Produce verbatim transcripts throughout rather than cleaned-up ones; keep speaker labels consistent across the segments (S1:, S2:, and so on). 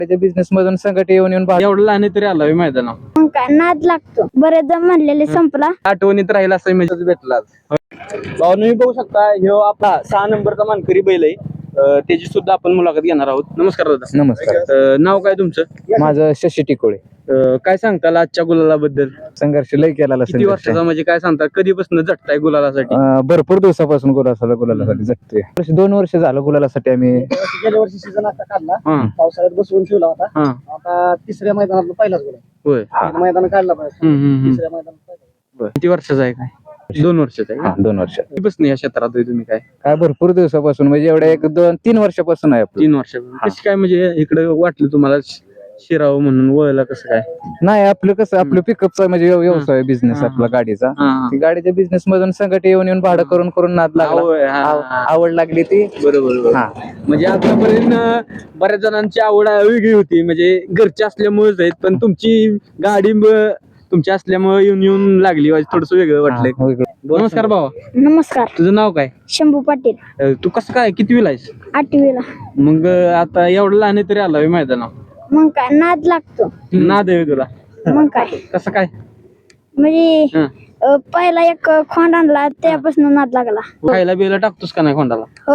S1: त्याच्या बिझनेस मधून संकट येऊन येऊन भाग-
S2: एवढं लहान तरी आला मैदानावर
S3: मग काय नाद लागतो बरेच जण म्हणलेले संपला
S2: आठवणीत राहील असं म्हणजे भेटला भाऊ तुम्ही बघू शकता ह्यो आपला सहा नंबरचा मानकरी बैल आहे अं, त्याची सुद्धा आपण मुलाखत घेणार आहोत. नमस्कार दादा.
S1: नमस्कार.
S2: अं, नाव काय तुमचं?
S1: माझं शशी टिकोळे.
S2: अं, काय सांगताल आजच्या गुलालाबद्दल?
S1: संघर्ष लय केला
S2: किती वर्षाचा म्हणजे काय सांगता कधीपासून झटताय गुलालासाठी?
S1: भरपूर दिवसापासून गुलाला गुलालासाठी जगतोय. वर्ष- दोन वर्ष झालं गुलालासाठी आम्ही
S4: गेल्या वर्षी सीझन आता काढला
S2: हा
S4: पावसाळ्यात बसवून ठेवला होता.
S2: हा
S4: आता तिसऱ्या मैदानात पहिलाच गोल
S2: होय.
S4: मैदान काढला पाहिजे
S2: हम्म, हम्म, हम्म.
S4: तिसऱ्या मैदानात पहिला.
S2: किती वर्षाचा आहे काय? दोन वर्षाचा आहे
S1: हा,
S2: का?
S1: दोन वर्ष
S2: कधीपासून या क्षेत्रात आहे तुम्ही काय?
S1: काय भरपूर दिवसापासून म्हणजे एवढ्या एक दोन तीन वर्षापासून आहे आपलं.
S2: तीन वर्षापासून कशी काय म्हणजे इकडे वाटलं तुम्हाला शिरावं म्हणून वळला कसं काय?
S1: नाही आपलं कसं आपलं पिकअपचा म्हणजे व्यव- व्यवसाय बिझनेस
S2: हा.
S1: आपला गाडीचा.
S2: हा, हा.
S1: ती गाडीच्या बिझनेस मधून संकट येऊन येऊन भाडं करून करून नाद लागला.
S2: होय, हा,
S1: आव-
S2: हा.
S1: आवड लागली ती.
S2: बरोबर बरोबर.
S1: हा
S2: म्हणजे आतापर्यंत अं, बऱ्याच जणांची आवड वेगळी होती म्हणजे घरची असल्यामुळेच आहेत पण तुमची गाडी ब- तुमची असल्यामुळे येऊन येऊन लागली थोडस वेगळं वाटलंय.
S1: हा, वेगळं.
S2: नमस्कार भावा,
S3: नमस्कार
S2: तुझं नाव काय?
S3: शंभू पाटील
S2: अं, तू कसं काय कितवीला आहेस?
S3: आठवीला
S2: मग अं, आता एवढं लहान आहे तरी आला मैदानावर.
S3: मग काय नाद लागतो
S2: नाद आहे तुला
S3: मग काय
S2: कसं काय?
S3: म्हणजे
S2: हं.
S3: अ, पहिला एक खोंड आणला त्यापासून नाद लागला
S2: खायला बियला टाकतोस का नाही खोंडाला?
S3: हो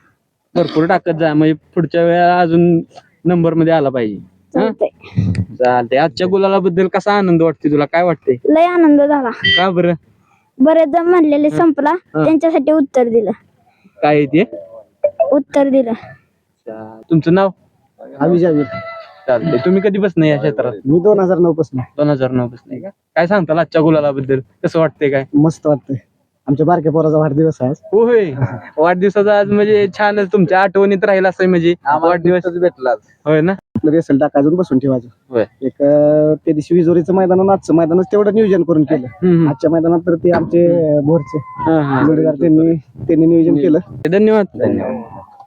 S2: भरपूर टाकत जा म्हणजे पुढच्या वेळेला अजून नंबर मध्ये आला पाहिजे. हं?
S3: चालतंय
S2: चालतंय. आजच्या गुलाला बद्दल कसा आनंद वाटते तुला? काय वाटते?
S3: लय आनंद झाला
S2: का बरं?
S3: बरेच जण म्हणलेले संपला त्यांच्यासाठी उत्तर दिलं
S2: काय आहे ते?
S3: उत्तर दिलं
S2: अच्छा. तुमचं नाव?
S4: आम्ही जावी
S2: चालतंय. तुम्ही कधीपासून या क्षेत्रात?
S4: मी दोन हजार नऊ पासून
S2: दोन हजार नऊ पासून आहे का? काय सांगताल आजच्या गुलाला बद्दल कसं वाटतंय काय?
S4: मस्त वाटतंय. आमच्या बारक्या पोराचा वाढदिवस आहे आज.
S2: होय. वाढदिवसाचा आज म्हणजे छानच तुमच्या आठवणीत राहील असं म्हणजे वाढदिवस भेटला होय ना?
S4: आपलं रेसल टाकायचं बसून ठेवायचं.
S2: होय.
S4: एक अं, त्या दिवशी विजोरीचं मैदान आणि आजचं मैदानच तेवढं नियोजन करून केलं.
S2: हम्म,
S4: आजच्या मैदानात तर ते आमचे भोरचे
S2: हम्म. हा, हा.
S4: जोडीदार त्यांनी त्यांनी नियोजन केलं.
S2: धन्यवाद. धन्यवाद.